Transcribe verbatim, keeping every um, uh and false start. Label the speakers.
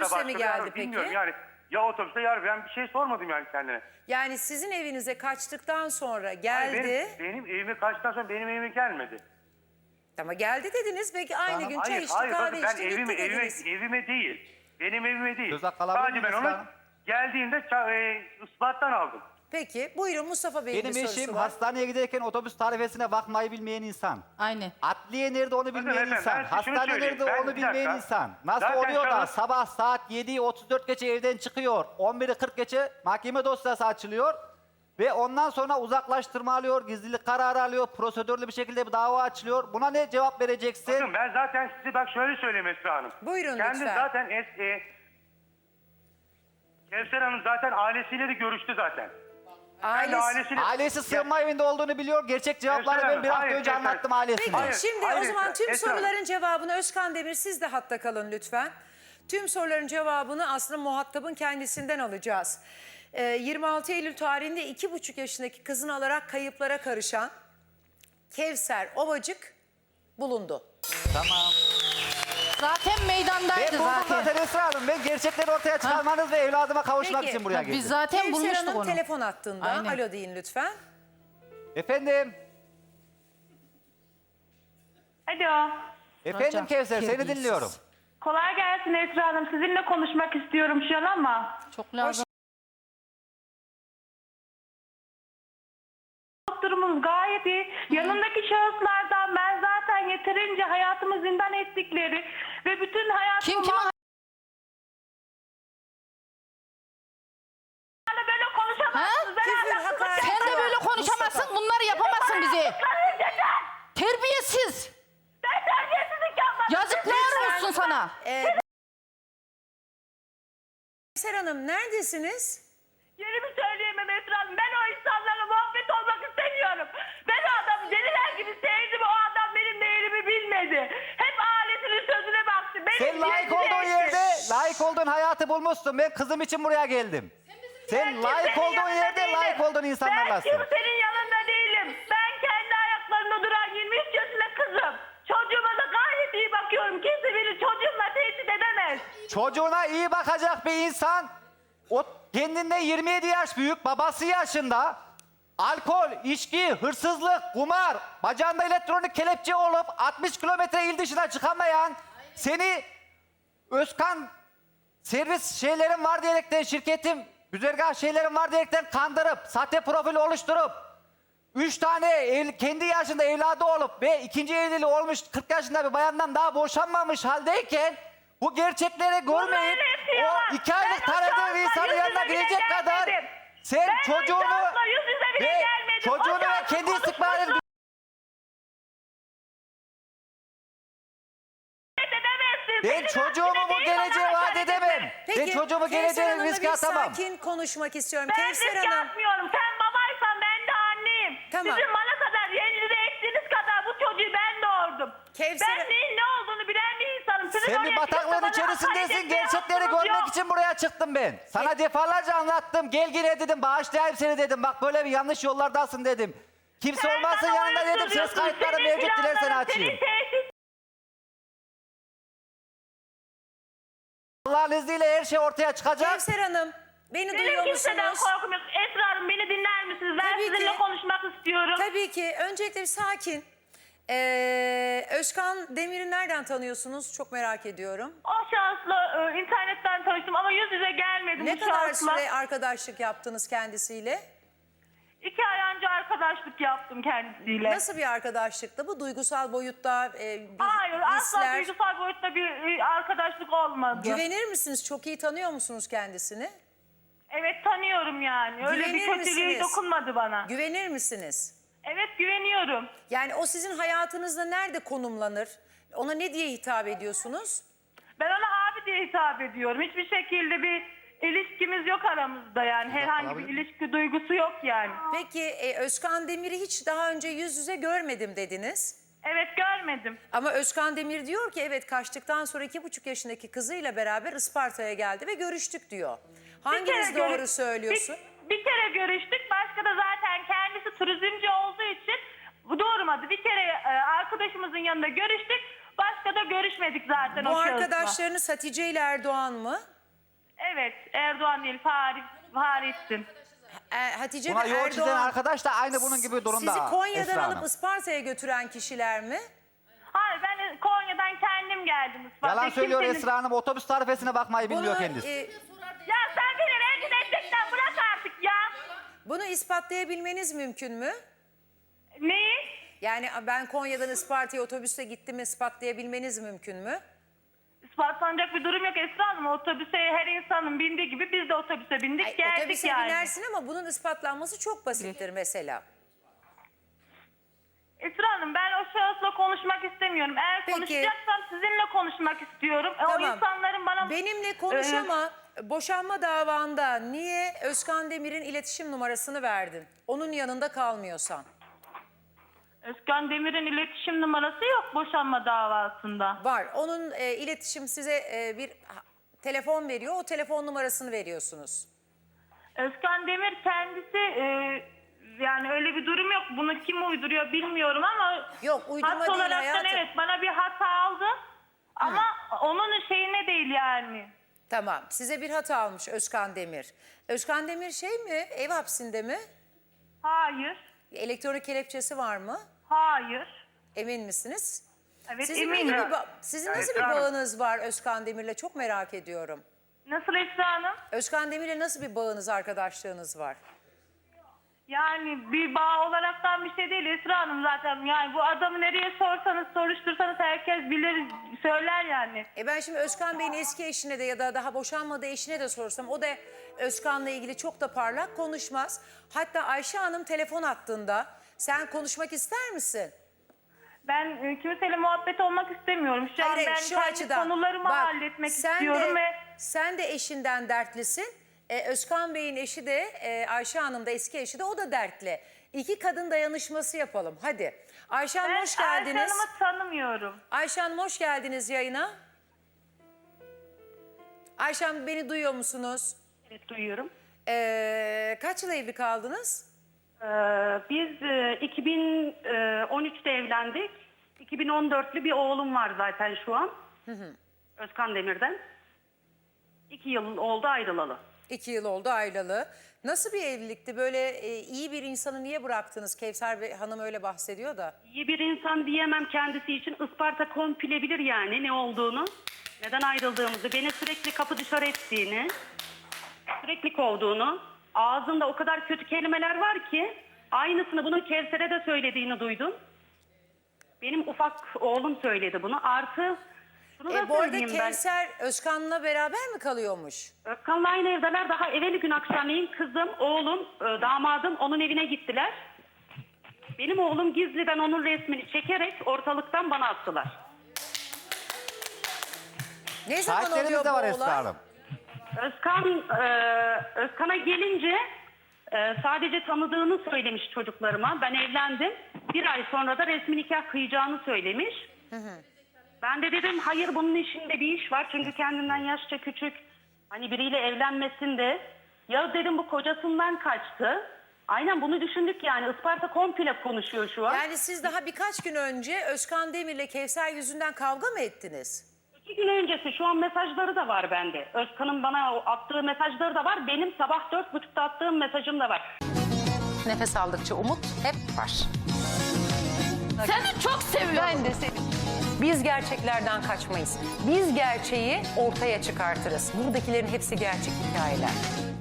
Speaker 1: otobüse
Speaker 2: başka
Speaker 1: mi
Speaker 2: bir
Speaker 1: geldi
Speaker 2: araba,
Speaker 1: peki?
Speaker 2: bilmiyorum yani. Ya otobüste ya ben bir şey sormadım yani kendine.
Speaker 1: Yani sizin evinize kaçtıktan sonra
Speaker 2: Hayır,
Speaker 1: geldi.
Speaker 2: benim, benim evime kaçtıktan sonra benim evime gelmedi.
Speaker 1: Ama geldi dediniz. Belki aynı
Speaker 3: Hanım,
Speaker 1: gün çay
Speaker 2: Hayır,
Speaker 1: içti,
Speaker 2: hayır
Speaker 1: kahve
Speaker 2: bakın ben
Speaker 1: içti,
Speaker 2: evime,
Speaker 1: gitti
Speaker 2: evime,
Speaker 1: dediniz.
Speaker 2: evime değil. Benim evime değil.
Speaker 3: Söz hakkı alabilir
Speaker 2: Sadece ben
Speaker 3: miyim
Speaker 2: onu
Speaker 3: Esra Hanım?
Speaker 2: geldiğinde ça- e, ispattan aldım.
Speaker 1: Peki buyurun, Mustafa Bey'in
Speaker 3: Benim
Speaker 1: bir sorusu
Speaker 3: eşim
Speaker 1: var.
Speaker 3: hastaneye giderken otobüs tarifesine bakmayı bilmeyen insan.
Speaker 4: Aynen.
Speaker 3: Adliye nerede onu
Speaker 2: Bakın
Speaker 3: bilmeyen
Speaker 2: efendim,
Speaker 3: insan.
Speaker 2: ben size şunu
Speaker 3: Hastane
Speaker 2: söyleyeyim.
Speaker 3: nerede
Speaker 2: Ben-
Speaker 3: onu
Speaker 2: bir
Speaker 3: bilmeyen
Speaker 2: dakika.
Speaker 3: insan. Nasıl
Speaker 2: Zaten
Speaker 3: oluyor da
Speaker 2: şahıs-
Speaker 3: sabah saat yediyi otuz dört geçe evden çıkıyor. on biri kırk geçe mahkeme dosyası açılıyor. Ve ondan sonra uzaklaştırma alıyor, gizlilik kararı alıyor, prosedürlü bir şekilde bir dava açılıyor. Buna ne cevap vereceksin?
Speaker 2: Bakın ben zaten size bak şöyle söyleyeyim Esra Hanım.
Speaker 1: Buyurun
Speaker 2: Kendi
Speaker 1: lütfen.
Speaker 2: zaten es, e, Kevser Hanım zaten ailesiyle de görüştü zaten. Kendi
Speaker 1: Ailesi...
Speaker 2: ailesiyle...
Speaker 3: Ailesi sığınma evinde olduğunu biliyor. Gerçek cevapları
Speaker 2: Esra
Speaker 3: ben
Speaker 2: Hanım,
Speaker 3: bir hafta
Speaker 2: hayır,
Speaker 3: önce
Speaker 2: Esra-
Speaker 3: anlattım ailesine.
Speaker 1: Peki
Speaker 2: Hayır,
Speaker 1: şimdi
Speaker 2: hayır
Speaker 1: o zaman
Speaker 2: Esra,
Speaker 1: tüm
Speaker 2: Esra.
Speaker 1: soruların cevabını Özkan Demir, siz de hatta kalın lütfen. Tüm soruların cevabını aslında muhatabın kendisinden alacağız. Ee, yirmi altı Eylül tarihinde iki buçuk yaşındaki kızını alarak kayıplara karışan Kevser Ovacık bulundu.
Speaker 3: Tamam.
Speaker 4: Zaten meydandaydı
Speaker 3: Ben buldum
Speaker 4: zaten.
Speaker 3: zaten Esra Hanım. Ben gerçekleri ortaya çıkarmanız ve evladıma kavuşmak
Speaker 1: Peki.
Speaker 3: için buraya
Speaker 4: Ha,
Speaker 3: geldim.
Speaker 4: biz zaten
Speaker 1: Kevser
Speaker 4: bulmuştuk
Speaker 1: Hanım
Speaker 4: onu.
Speaker 1: telefon attığında
Speaker 4: Aynen.
Speaker 1: alo deyin lütfen.
Speaker 3: Efendim?
Speaker 5: Alo.
Speaker 3: Efendim
Speaker 4: Hocam,
Speaker 3: Kevser seni
Speaker 4: terbiyesiz.
Speaker 3: dinliyorum.
Speaker 5: Kolay gelsin Esra Hanım. Sizinle konuşmak istiyorum şu an ama.
Speaker 4: Çok lazım.
Speaker 5: Durumumuz gayet iyi. Yanındaki şahıslardan ben zaten yeterince hayatımı zindan ettikleri ve bütün hayatımı...
Speaker 4: Kim kime
Speaker 5: Hala böyle konuşamazsınız.
Speaker 4: Ha?
Speaker 5: Ben
Speaker 1: Küfür,
Speaker 5: hala-
Speaker 1: hakaret.
Speaker 4: Sen de böyle konuşamazsın, bunları yapamazsın bize.
Speaker 5: Karı yeter!
Speaker 4: Terbiyesiz.
Speaker 5: Ben terbiyesizlik yapmadım.
Speaker 4: Yazıklar olsun sana.
Speaker 1: Ee, Kevser Hanım neredesiniz?
Speaker 5: Yerimi söyleyemem Esra Hanım. Ben o insanlarla muhabbet olmak istemiyorum. Ben o adamı deliler gibi sevdim. O adam benim değerimi bilmedi. Hep ailesinin sözüne baktı. Benim
Speaker 3: Sen layık
Speaker 5: yerini
Speaker 3: olduğun
Speaker 5: etti.
Speaker 3: yerde layık olduğun hayatı bulmuşsun. Ben kızım için buraya geldim. Sen
Speaker 5: Ben
Speaker 3: layık
Speaker 5: kimsenin
Speaker 3: olduğun
Speaker 5: yanında
Speaker 3: yerde
Speaker 5: değilim.
Speaker 3: layık olduğun insanlarlasın.
Speaker 5: Ben kimsenin yanında değilim. Ben kendi ayaklarında duran yirmi üç yaşında kızım. Çocuğuma da gayet iyi bakıyorum. Kimse beni çocuğumla tehdit edemez.
Speaker 3: Çocuğuna iyi bakacak bir insan, o kendinden yirmi yedi yaş büyük, babası yaşında, alkol, içki, hırsızlık, kumar, bacağında elektronik kelepçe olup altmış kilometre il dışına çıkamayan, seni Özkan servis şeylerin var diyerekten, şirketim güzergah şeylerin var diyerekten kandırıp, sahte profil oluşturup, üç tane ev, kendi yaşında evladı olup ve ikinci evliliği olmuş kırk yaşında bir bayandan daha boşanmamış haldeyken bu gerçekleri görmeyip
Speaker 5: hepsi yalan.
Speaker 3: o iki aylık
Speaker 5: Ben o
Speaker 3: tanıdığı
Speaker 5: şahısla
Speaker 3: bir insanın
Speaker 5: yüz
Speaker 3: yanına
Speaker 5: yüze bile
Speaker 3: girecek kadar
Speaker 5: gelmedim.
Speaker 3: sen
Speaker 5: Ben o
Speaker 3: çocuğunu
Speaker 5: şahısla yüz yüze bile
Speaker 3: ve
Speaker 5: gelmedim. O
Speaker 3: çocuğunu ve
Speaker 5: şahsın
Speaker 3: kendi istikbalini
Speaker 5: konuşmasını edemezsin.
Speaker 3: ben
Speaker 5: Senin
Speaker 3: çocuğumu
Speaker 5: haddine
Speaker 3: bu
Speaker 5: değil,
Speaker 3: geleceğe
Speaker 5: bana
Speaker 3: vaat
Speaker 5: hakaret
Speaker 3: edemem.
Speaker 5: etme.
Speaker 3: Ben çocuğumu
Speaker 1: Kevser
Speaker 3: geleceğe
Speaker 1: Hanım'la
Speaker 3: riske
Speaker 1: bir
Speaker 3: atamam.
Speaker 1: sakin konuşmak istiyorum.
Speaker 5: Ben
Speaker 1: Kevser
Speaker 5: risk
Speaker 1: Hanım.
Speaker 5: yapmıyorum. Sen babaysan ben de anneyim.
Speaker 1: Tamam.
Speaker 5: Sizin bana kadar yerinize ektiğiniz kadar bu çocuğu ben doğurdum.
Speaker 1: Kevser-
Speaker 5: Ben neyin ne olduğunu bilen bir insanım. Sizin
Speaker 3: Sen
Speaker 5: oraya
Speaker 3: bir
Speaker 5: çıkıp da
Speaker 3: bataklığın
Speaker 5: bana hakaret
Speaker 3: içerisindesin.
Speaker 5: etmeye
Speaker 3: Gerçekleri
Speaker 5: hakkınız
Speaker 3: görmek
Speaker 5: yok.
Speaker 3: için buraya çıktım ben. Sana defalarca anlattım. Gel gire dedim. Bağışlayayım seni dedim. Bak böyle bir yanlış yollardasın dedim. Kimse
Speaker 5: Sen
Speaker 3: olmazsa
Speaker 5: bana
Speaker 3: yanında dedim. Ses
Speaker 5: uyuşturuyorsun.
Speaker 3: kayıtları
Speaker 5: Senin
Speaker 3: mevcut, dilersen
Speaker 5: planların,
Speaker 3: açayım.
Speaker 5: Senin tehdit
Speaker 3: Allah'ın izniyle her şey ortaya çıkacak.
Speaker 1: Kevser Hanım beni duyuyor
Speaker 5: Benim kimseden
Speaker 1: musunuz?
Speaker 5: korkum yok. Esra Hanım beni dinler misiniz? Ben
Speaker 1: Tabii
Speaker 5: sizinle
Speaker 1: ki.
Speaker 5: konuşmak istiyorum.
Speaker 1: Tabii ki. Öncelikle bir sakin. Ee, Özkan Demir'i nereden tanıyorsunuz? Çok merak ediyorum.
Speaker 5: O şahısla e, internetten tanıştım ama yüz yüze gelmedim
Speaker 1: Ne
Speaker 5: bu
Speaker 1: kadar
Speaker 5: şahısla.
Speaker 1: süre arkadaşlık yaptınız kendisiyle?
Speaker 5: İki ay önce arkadaşlık yaptım kendisiyle.
Speaker 1: Nasıl bir arkadaşlıktı bu? Duygusal boyutta e, bir
Speaker 5: Hayır asla
Speaker 1: hisler.
Speaker 5: duygusal boyutta bir e, arkadaşlık olmadı.
Speaker 1: Güvenir misiniz? Çok iyi tanıyor musunuz kendisini?
Speaker 5: Evet tanıyorum yani. Öyle
Speaker 1: Güvenir
Speaker 5: bir kötülüğü
Speaker 1: misiniz?
Speaker 5: dokunmadı bana.
Speaker 1: Güvenir misiniz?
Speaker 5: Evet güveniyorum.
Speaker 1: Yani o sizin hayatınızda nerede konumlanır? Ona ne diye hitap ediyorsunuz?
Speaker 5: Ben ona abi diye hitap ediyorum. Hiçbir şekilde bir ilişkimiz yok aramızda yani. Herhangi bir ilişki duygusu yok yani.
Speaker 1: Peki e, Özkan Demir'i hiç daha önce yüz yüze görmedim dediniz.
Speaker 5: Evet görmedim.
Speaker 1: Ama Özkan Demir diyor ki evet kaçtıktan sonra iki buçuk yaşındaki kızıyla beraber Isparta'ya geldi ve görüştük diyor.
Speaker 5: Bir
Speaker 1: Hanginiz
Speaker 5: kere
Speaker 1: doğru
Speaker 5: görü-
Speaker 1: söylüyorsun?
Speaker 5: Bir, bir kere görüştük. Başka da zaten kendisi turizmci olduğu için bu doğurmadı. Bir kere e, arkadaşımızın yanında görüştük. Başka da görüşmedik zaten
Speaker 1: Bu
Speaker 5: o şahısla.
Speaker 1: arkadaşlarınız Hatice ile Erdoğan mı?
Speaker 5: Evet, Erdoğan değil, Faris, Faris'tin.
Speaker 1: E, Hatice
Speaker 3: Buna
Speaker 1: ve
Speaker 3: yol çizen
Speaker 1: Erdoğan
Speaker 3: arkadaş da aynı bunun gibi durumda.
Speaker 1: sizi Konya'dan
Speaker 3: Esra
Speaker 1: alıp
Speaker 3: Hanım.
Speaker 1: Isparta'ya götüren kişiler mi?
Speaker 5: Hayır, ben Konya'dan kendim geldim Isparta'ya.
Speaker 3: Yalan söylüyor
Speaker 5: Kimsenin-
Speaker 3: Esra Hanım. Otobüs tarifesine bakmayı bilmiyor
Speaker 1: Bunu,
Speaker 3: kendisi.
Speaker 1: e,
Speaker 5: Ya sen beni rencide etmekten bırak artık ya.
Speaker 1: bunu ispatlayabilmeniz mümkün mü?
Speaker 5: Neyi?
Speaker 1: Yani ben Konya'dan Isparta'ya otobüste gittim ispatlayabilmeniz mümkün mü?
Speaker 5: İspatlanacak bir durum yok Esra Hanım. Otobüse her insanın bindiği gibi biz de otobüse bindik
Speaker 1: Ay,
Speaker 5: geldik
Speaker 1: otobüse
Speaker 5: yani.
Speaker 1: binersin ama bunun ispatlanması çok basittir mesela.
Speaker 5: Esra Hanım ben o şahısla konuşmak istemiyorum. Eğer
Speaker 1: Peki.
Speaker 5: konuşacaksam sizinle konuşmak istiyorum. E, O
Speaker 1: Tamam.
Speaker 5: insanların bana...
Speaker 1: Benimle konuş
Speaker 5: Ee,
Speaker 1: ama boşanma davanda niye Özkan Demir'in iletişim numarasını verdin? Onun yanında kalmıyorsan.
Speaker 5: Özkan Demir'in iletişim numarası yok boşanma davasında.
Speaker 1: Var. Onun e, iletişim size e, bir ha, telefon veriyor. O telefon numarasını veriyorsunuz.
Speaker 5: Özkan Demir kendisi e, yani öyle bir durum yok. Bunu kim uyduruyor bilmiyorum ama
Speaker 1: Yok, uydurma
Speaker 5: hat
Speaker 1: değil
Speaker 5: olaraktan
Speaker 1: hayatım.
Speaker 5: evet bana bir hata aldı. Ama onun şeyine değil yani.
Speaker 1: Tamam. Size bir hata almış Özkan Demir. Özkan Demir şey mi? Ev hapsinde mi?
Speaker 5: Hayır.
Speaker 1: Elektronik kelepçesi var mı?
Speaker 5: Hayır.
Speaker 1: Emin misiniz?
Speaker 5: Evet
Speaker 1: Sizin,
Speaker 5: eminim.
Speaker 1: peki bir ba- sizin
Speaker 2: Evet,
Speaker 1: nasıl bir
Speaker 2: Esra Hanım.
Speaker 1: bağınız var Özkan Demir'le? Çok merak ediyorum.
Speaker 5: Nasıl Esra Hanım?
Speaker 1: Özkan Demir'le nasıl bir bağınız, arkadaşlığınız var?
Speaker 5: Yani bir bağ olaraktan bir şey değil Esra Hanım zaten. Yani bu adamı nereye sorsanız soruştursanız herkes bilir söyler yani.
Speaker 1: E ben şimdi Özkan Bey'in eski eşine de ya da daha boşanmadığı eşine de sorsam o da Özkan'la ilgili çok da parlak konuşmaz. Hatta Ayşe Hanım telefon attığında sen konuşmak ister misin?
Speaker 5: Ben e, kimseyle muhabbet olmak istemiyorum. Şu an
Speaker 1: Hayır,
Speaker 5: ben
Speaker 1: şu
Speaker 5: kendi
Speaker 1: açıdan.
Speaker 5: konularımı
Speaker 1: Bak,
Speaker 5: halletmek
Speaker 1: sen
Speaker 5: istiyorum
Speaker 1: de,
Speaker 5: ve
Speaker 1: sen de eşinden dertlisin. Ee, Özkan Bey'in eşi de e, Ayşe Hanım da eski eşi de o da dertli. İki kadın dayanışması yapalım hadi. Ayşe Hanım
Speaker 5: ben
Speaker 1: hoş
Speaker 5: Ayşe
Speaker 1: geldiniz.
Speaker 5: Hanım'ı tanımıyorum.
Speaker 1: Ayşe Hanım hoş geldiniz yayına. Ayşe Hanım beni duyuyor musunuz?
Speaker 5: Evet duyuyorum.
Speaker 1: Ee, kaç yıl evli kaldınız?
Speaker 6: Ee, Biz e, iki bin on üçte evlendik. iki bin on dörtlü bir oğlum var zaten şu an. Özkan Demir'den. İki yıl oldu ayrılalı.
Speaker 1: İki yıl oldu ayrılalı. Nasıl bir evlilikti? Böyle e, iyi bir insanı niye bıraktınız? Kevser Bey, Hanım öyle bahsediyor da.
Speaker 6: İyi bir insan diyemem kendisi için. Isparta komple bilir yani ne olduğunu. Neden ayrıldığımızı, beni sürekli kapı dışarı ettiğini, sürekli kovduğunu. Ağzında o kadar kötü kelimeler var ki aynısını bunun Kevser'e de söylediğini duydum. Benim ufak oğlum söyledi bunu. Artı şunu da
Speaker 1: E, bu arada
Speaker 6: söyleyeyim ben.
Speaker 1: Kevser Özkan'la beraber mi kalıyormuş?
Speaker 6: Özkan'la aynı evdeler. Daha evveli gün akşamleyin kızım, oğlum, e, damadım onun evine gittiler. Benim oğlum gizliden onun resmini çekerek ortalıktan bana attılar.
Speaker 1: Ne zaman
Speaker 3: Şahitlerimiz
Speaker 1: oluyor
Speaker 3: de
Speaker 1: bu
Speaker 3: var
Speaker 1: olay?
Speaker 3: Esra Hanım.
Speaker 6: Özkan, e, Özkan'a gelince e, sadece tanıdığını söylemiş çocuklarıma. Ben evlendim. Bir ay sonra da resmi nikah kıyacağını söylemiş. Ben de dedim hayır bunun işinde bir iş var. Çünkü kendinden yaşça küçük. Hani biriyle evlenmesinde. Ya dedim bu kocasından kaçtı. Aynen bunu düşündük yani. Isparta komple konuşuyor şu an.
Speaker 1: Yani siz daha birkaç gün önce Özkan Demir'le Kevser yüzünden kavga mı ettiniz?
Speaker 6: İki gün öncesi şu an mesajları da var bende. Özkan'ın bana o attığı mesajları da var. Benim sabah dört buçukta attığım mesajım da var.
Speaker 4: Nefes aldıkça umut hep var. Seni çok seviyorum. Ben de seni.
Speaker 1: Biz gerçeklerden kaçmayız. Biz gerçeği ortaya çıkartırız. Buradakilerin hepsi gerçek hikayeler.